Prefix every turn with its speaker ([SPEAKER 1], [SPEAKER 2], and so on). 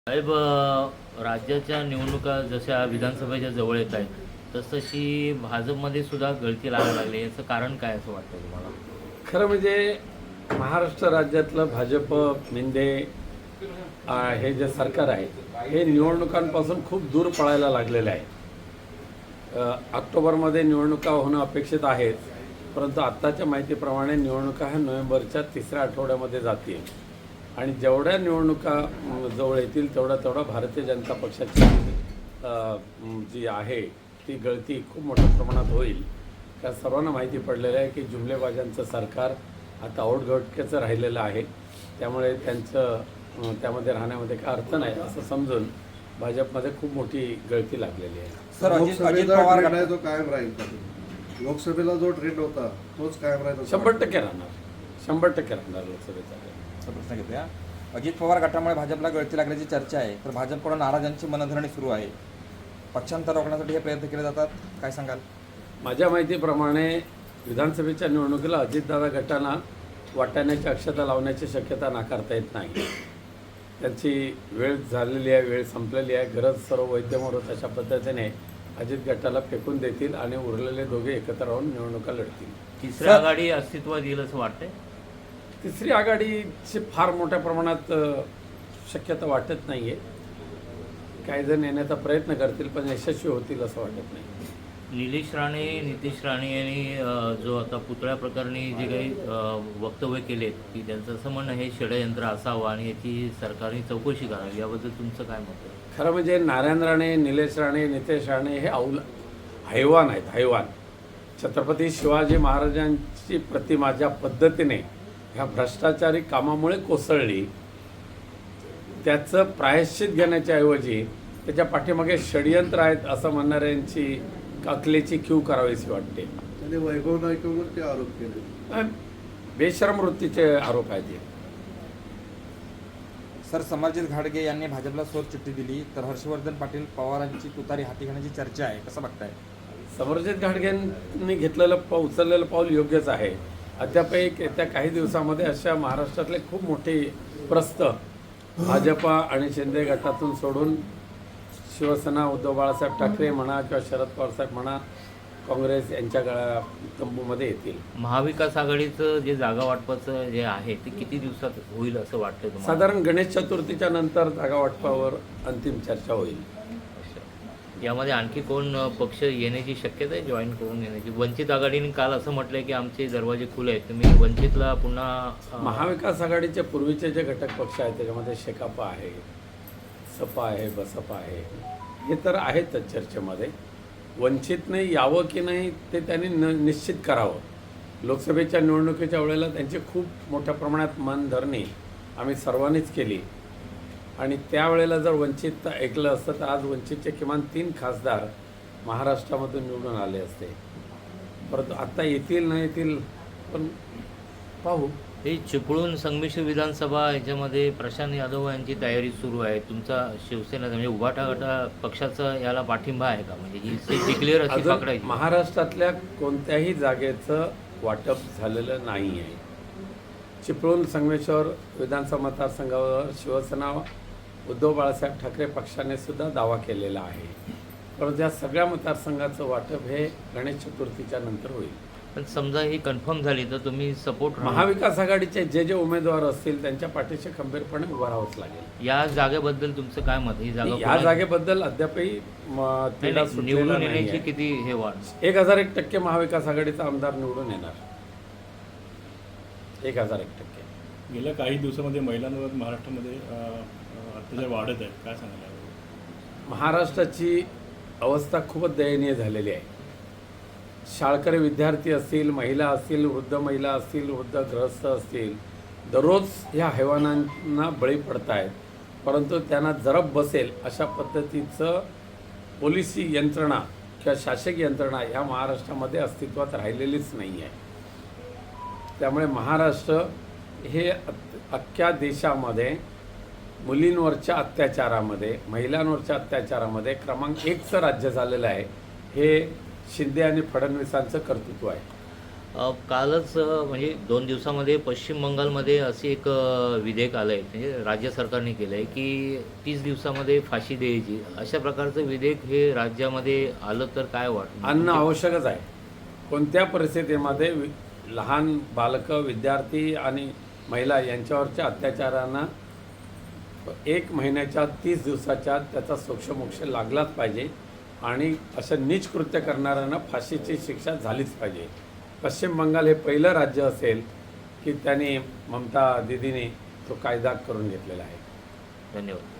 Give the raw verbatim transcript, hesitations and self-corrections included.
[SPEAKER 1] साहेब, अ, राज्याच्या निवडणुका जशा विधानसभेच्या जवळ येत आहेत तसतशी भाजपमध्ये सुद्धा गळती लागायला लागली. याचं कारण काय असं वाटतं तुम्हाला?
[SPEAKER 2] खरं म्हणजे महाराष्ट्र राज्यातलं भाजप मिंदे अ, हे जे सरकार आहे हे निवडणुकांपासून खूप दूर पळायला लागलेलं आहे. अ, ऑक्टोबरमध्ये निवडणुका होणं अपेक्षित आहेत, परंतु आत्ताच्या माहितीप्रमाणे निवडणुका ह्या नोव्हेंबरच्या तिसऱ्या आठवड्यामध्ये जातील आणि जेवढ्या निवडणुका अ, जवळ येतील तेवढा तेवढा भारतीय जनता पक्षाची अ, जी आहे ती गळती खूप मोठ्या प्रमाणात होईल. त्या सर्वांना माहिती पडलेलं आहे की जुमलेबाजांचं सरकार आता औटघटकेचं राहिलेलं आहे, त्यामुळे त्यांचं अ, त्यामध्ये राहण्यामध्ये काय अर्थ नाही असं समजून भाजपमध्ये खूप मोठी गळती लागलेली आहे.
[SPEAKER 3] सर, अजित अजित
[SPEAKER 4] लोकसभेचा
[SPEAKER 3] पवार
[SPEAKER 4] ट्रेंड आहे तो कायम राहील का? लोकसभेला जो ट्रेंड होता तोच कायम राहील असं
[SPEAKER 2] शंभर
[SPEAKER 4] वाटतं?
[SPEAKER 2] टक्के राहणार शंभर टक्के राहणार लोकसभेचा.
[SPEAKER 3] चा प्रश्न घेतोया. अजित पवार गटामुळे भाजपला गळती लागल्याची चर्चा आहे, तर भाजपकडून नाराजांची मनधरणी सुरू आहे. पक्षांतर रोखण्यासाठी हे प्रयत्न केले जातात, काय सांगाल?
[SPEAKER 2] माझ्या माहितीप्रमाणे विधानसभेच्या निवडणुकीला अजितदादा गटांना वाटाण्याची अक्षता लावण्याची शक्यता नाकारता येत नाही. त्यांची वेळ झालेली आहे, वेळ संपलेली आहे. गरज सर्व वैद्यमोरत अशा पद्धतीने अजित गटाला फेकून देतील आणि उरलेले दोघे एकत्र राहून निवडणुका लढतील.
[SPEAKER 1] तिसरी आघाडी अस्तित्वात येईल असं वाटतंय?
[SPEAKER 2] तिसरी आघाडीची फार मोठ्या प्रमाणात अ, शक्यता वाटत नाही आहे. काही जण येण्याचा प्रयत्न करतील पण यशस्वी होतील असं वाटत नाही.
[SPEAKER 1] निलेश राणे, नितेश राणे यांनी अ, जो आता पुतळ्या प्रकरणी जे काही अ, वक्तव्य केलेत की त्यांचं असं म्हणणं हे षडयंत्र असावं आणि याची सरकारने चौकशी करावी, याबद्दल तुमचं काय मत आहे?
[SPEAKER 2] खरं म्हणजे नारायण राणे, निलेश राणे, नितेश राणे हे औल हैवान आहेत, हैवान. छत्रपती शिवाजी महाराजांची प्रतिमा ज्या पद्धतीने ह्या भ्रष्टाचारी कामामुळे कोसळली, त्याचं प्रायश्चित घेण्याच्या ऐवजी त्याच्या पाठीमागे षडयंत्र आहेत असं म्हणणाऱ्यांची अकलेची कीव करावीशी वाटते.
[SPEAKER 4] त्याने वैभव नाईकवरती आरोप केले.
[SPEAKER 2] बेशरम वृत्तीचे आरोप आहेत हे.
[SPEAKER 3] सर, समरजित घाडगे यांनी भाजपला सोर चिठ्ठी दिली, तर हर्षवर्धन पाटील पवारांची तुतारी हाती घेण्याची चर्चा आहे, कसं बघताय?
[SPEAKER 2] समरजित घाटगेंनी घेतलेलं पाऊल उचललेलं पाऊल योग्यच आहे. अद्याप एक येत्या काही दिवसामध्ये अशा महाराष्ट्रातले खूप मोठे प्रस्थ भाजपा आणि शिंदे गटातून सोडून शिवसेना, उद्धव बाळासाहेब ठाकरे म्हणा किंवा शरद पवारसाहेब म्हणा, काँग्रेस यांच्या गळा तंबूमध्ये येतील.
[SPEAKER 1] महाविकास आघाडीचं जे जागा वाटपाचं जे आहे ते किती दिवसात होईल असं वाटतं तुम्हाला?
[SPEAKER 2] साधारण गणेश चतुर्थीच्या नंतर जागा वाटपावर अंतिम चर्चा होईल.
[SPEAKER 1] अच्छा. यामध्ये आणखी कोण अ, पक्ष येण्याची शक्यता आहे, जॉईन करून येण्याची? वंचित आघाडीने काल असं म्हटलंय की आमचे दरवाजे खुले आहेत, तुम्ही वंचितला पुन्हा अ,
[SPEAKER 2] महाविकास आघाडीचे पूर्वीचे जे घटक पक्ष आहेत त्याच्यामध्ये शेकापा आहे, सपा आहे, बसपा आहे, हे तर आहेतच चर्चेमध्ये. वंचितने यावं की नाही ते त्यांनी न निश्चित करावं. लोकसभेच्या निवडणुकीच्या वेळेला त्यांची खूप मोठ्या प्रमाणात मनधरणी आम्ही सर्वांनीच केली आणि त्यावेळेला जर वंचित ऐकलं असतं तर आज वंचितचे किमान तीन खासदार महाराष्ट्रामधून निवडून आले असते. परंतु आत्ता येतील नाही येतील पण पाहू.
[SPEAKER 1] हे चिपळूण संमिश्र विधानसभा याच्यामध्ये प्रशांत यादव यांची तयारी सुरू आहे. तुमचा शिवसेना म्हणजे उभाटा गटा पक्षाचा याला पाठिंबा आहे का? म्हणजे ही सीट डिक्लेअर अशी
[SPEAKER 2] अजून
[SPEAKER 1] पकडायची?
[SPEAKER 2] महाराष्ट्रातल्या कोणत्याही जागेचं वाटप झालेलं नाही आहे. चिपळूण संगमेश्वर विधानसभा मतदारसंघावर शिवसेना, उद्धव बाळासाहेब ठाकरे पक्षाने सुद्धा दावा केलेला आहे. परंतु या सगळ्या मतदारसंघाचं वाटप हे गणेश चतुर्थीच्या नंतर होईल.
[SPEAKER 1] पण समजा ही कन्फर्म झाली तर तुम्ही सपोर्ट
[SPEAKER 2] महाविकास आघाडीचे जे जे उमेदवार असतील त्यांच्या पाठीशी खंबीरपणे उभं राहावंच लागेल.
[SPEAKER 1] या जागेबद्दल तुमचं काय मत? ही जागा
[SPEAKER 2] या
[SPEAKER 1] कोणाला-
[SPEAKER 2] जागेबद्दल अद्यापही म,
[SPEAKER 1] नाही,
[SPEAKER 2] तिढा
[SPEAKER 1] नाही,
[SPEAKER 2] सुटलेला
[SPEAKER 1] निवडून
[SPEAKER 2] नाही
[SPEAKER 1] येण्याची
[SPEAKER 2] आहे.
[SPEAKER 1] किती हे वाढ?
[SPEAKER 2] एक हजार एक टक्के महाविकास आघाडीचा आमदार निवडून येणार. एक हजार एक टक्के.
[SPEAKER 5] गेल्या काही दिवसामध्ये महिलांवर महाराष्ट्रामध्ये अ, अ, अत्याचार वाढत आहेत, काय सांगायला हवं?
[SPEAKER 2] महाराष्ट्राची अवस्था खूपच दयनीय झालेली आहे. शाळकरी विद्यार्थी असतील, महिला असतील, वृद्ध महिला असतील, वृद्ध गृहस्थ असतील, दररोज ह्या हैवानांना बळी पडत आहेत. परंतु त्यांना जरब बसेल अशा पद्धतीचं पोलिसी यंत्रणा किंवा शासकीय यंत्रणा ह्या महाराष्ट्रामध्ये अस्तित्वात राहिलेलीच नाही आहे. त्यामुळे महाराष्ट्र हे अख्ख्या देशामध्ये मुलींवरच्या अत्याचारामध्ये, महिलांवरच्या अत्याचारामध्ये क्रमांक एकचं राज्य झालेलं आहे. हे शिंदे आणि फडणवीसांचं कर्तृत्व आहे.
[SPEAKER 1] अ, कालच अ, म्हणजे दोन दिवसामध्ये पश्चिम बंगालमध्ये असे एक अ, विधेयक आलं आहे, म्हणजे राज्य सरकारने केलं आहे की तीस दिवसामध्ये फाशी द्यायची. अशा प्रकारचं विधेयक हे राज्यामध्ये आलं तर काय वाटतं?
[SPEAKER 2] आणणं आवश्यकच आहे. कोणत्या परिस्थितीमध्ये वि लहान बालकं, विद्यार्थी आणि महिला यांच्यावरच्या अत्याचारांना एक महिन्याच्या तीस दिवसाच्या आत त्याचा सोक्षमोक्ष लागलाच पाहिजे आणि असं नीच कृत्य करणाऱ्यांना फाशीची शिक्षा झालीच पाहिजे. पश्चिम बंगाल हे पहिलं राज्य असेल की त्यांनी ममता दीदीने तो कायदा करून घेतलेला आहे.
[SPEAKER 1] धन्यवाद.